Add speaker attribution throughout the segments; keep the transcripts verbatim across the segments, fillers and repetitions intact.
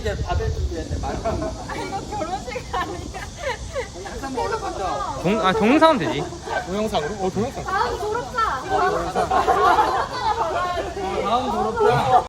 Speaker 1: 이제 받을 준비했는데 말고.
Speaker 2: 아 이거 결혼식 아니야?
Speaker 1: 항상 먹을 건져.
Speaker 3: 동, 아 동영상은 되지.
Speaker 4: 동영상으로? 어 동영상.
Speaker 2: 다음 졸업사.
Speaker 1: 다음 졸업자.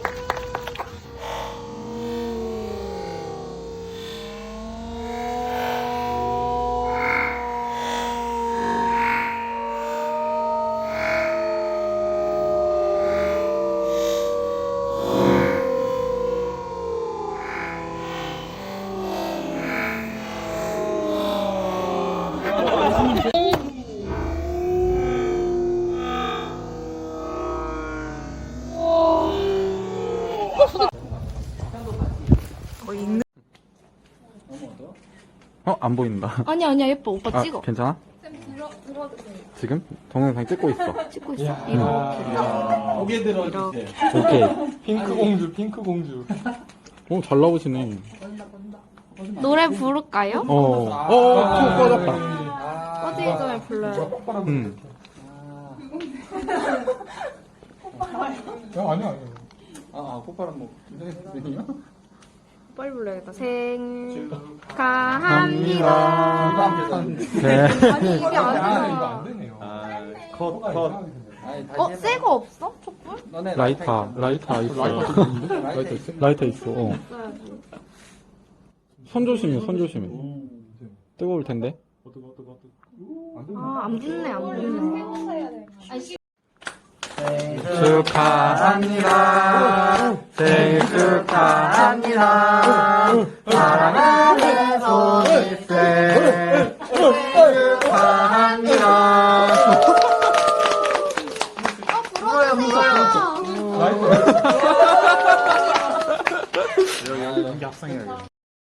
Speaker 4: 어 안 보인다.
Speaker 2: 아니야 아니야 예뻐 오빠
Speaker 4: 아
Speaker 2: 찍어.
Speaker 4: 괜찮아?
Speaker 2: 쌤 들어 들어도 돼.
Speaker 4: 지금 동영상 찍고 있어.
Speaker 2: 찍고 있어.
Speaker 4: 음.
Speaker 2: 이렇게.
Speaker 1: 고개 들어주세요.
Speaker 4: 오케이.
Speaker 5: 핑크 공주, 핑크 공주.
Speaker 4: 오 잘 나오시네.
Speaker 2: 노래 부를까요?
Speaker 4: 어. 어. 어. 꺼졌다.
Speaker 2: 꺼지기 전에 불러요.
Speaker 4: 음.
Speaker 5: 야, 아니야, 아니야.
Speaker 1: 아, 아 폭발은 뭐 김선생님이요?
Speaker 2: 빨리 불러야겠다. 생축하합니다.
Speaker 4: 네.
Speaker 2: 아니 이게
Speaker 5: 아, 이거
Speaker 2: 아니야.
Speaker 5: 안 되네요.
Speaker 1: 아, 컷, 컷. 아니, 다시
Speaker 2: 어?
Speaker 1: 해봐.
Speaker 2: 새 거 없어? 촛불?
Speaker 1: 너네
Speaker 4: 라이터, 라이터 있어.
Speaker 5: 라이터 있는데?
Speaker 1: 라이터 있어.
Speaker 4: 라이터 있어. 어.
Speaker 2: 써야지.
Speaker 4: 손 조심해, 손 조심해. 뜨거울 텐데.
Speaker 2: 아, 안 붙네, 안 붙네.
Speaker 4: 축하합니다. 생일 축하합니다. 사랑하는 소희쌤. 축하합니다.
Speaker 2: 아, 불어주세요.
Speaker 4: 여기 합성해야겠다.